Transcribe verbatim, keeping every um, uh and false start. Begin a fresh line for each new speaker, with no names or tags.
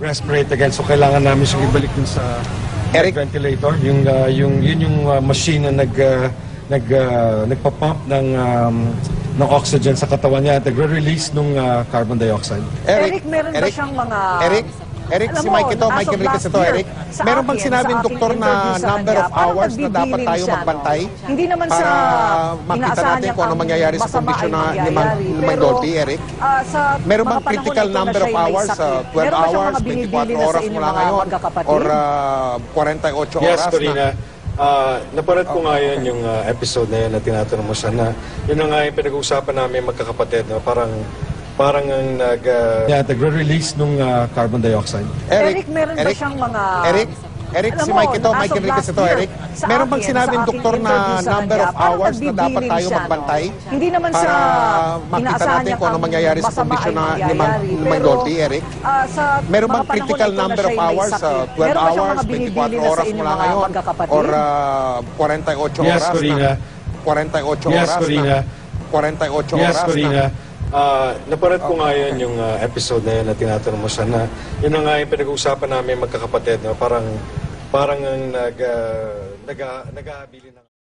Nag-respirate again, so kailangan namin siyang ibalik dun sa
Eric?
ventilator. Yung, uh, yung, yun yung uh, machine na nag, uh, nag, uh, nagpa-pump ng, um, ng oxygen sa katawan niya at nagre-release ng uh, carbon dioxide.
Eric, meron ba siyang mga...
Eric? Eric,
Alam
si
mo,
Mike ito,
as
Mike
of
Enriquez
last
ito,
year,
Eric.
sa
Meron bang
akin,
sinabing
sa aking
doktor na
interview sa
number
kanya,
of
parang
hours na dapat
nagbibiling
tayo
siya, no?
magbantay?
Hindi naman
Para
sa
makita
inaasahan
natin
niyang
kung ano
ang
mangyayari sa
masama
kondisyon
ay
na ni Mang
mangyayari.
ni Mang
Pero,
Dolphy, Eric?
ah, sa
Meron
mga
bang
panahon
critical
na ito na
number of
siya ay may
hours,
sakit,
uh, twelve
meron ba siyang
hours,
mga binibili
twenty-four
na sa
oras
inyong
mula
mga
ngayon,
magkakapatid?
or uh, forty-eight
Yes,
oras
Corina.
na?
Uh, napanood ko nga yun, yung uh, episode na yun na tinatanong mo siya na yun na nga yung pinag-uusapan namin magkakapatid. No? Parang parang ang nag, uh, yeah, nagre-release ng uh, carbon dioxide.
Eric, meron ba siyang mga...
Eric? Eric,
Alam
si
mo,
Mike ito,
as
Mike
of
Enriquez
last
ito,
year,
Eric.
sa
Meron bang
akin,
sinabing
sa
doktor
aking
na
interview sa
number
kanya,
of
parang
hours na dapat
nagbibiling
tayo
siya, no?
magbantay?
Hindi naman
Para
sa
makita
inaasahan
natin
niyang
kung ano
ang
mangyayari sa
masama
kondisyon
ay
na ni Mang,
mangyayari.
ni Mang
Pero,
Dolphy, Eric?
ah, sa
Meron bang
mga panahon
critical
na ito na
number
siya
of
ay may
hours,
sakit,
uh, twelve
meron ba siyang
hours,
mga binibili
twenty-four
na sa
oras
inyong
mula
mga
ngayon,
magkakapatid?
or uh, forty-eight
Yes,
oras
Corina.
na? forty-eight
Yes,
oras
Corina.
na? forty-eight
Yes,
oras
Corina.
na?
Uh, napanood ko nga yun, yung uh, episode na yun na tinatanong mo siya na yun na nga yung pinag-uusapan namin magkakapatid. No? Parang, parang ang nag, uh, nag, nag-aabili ng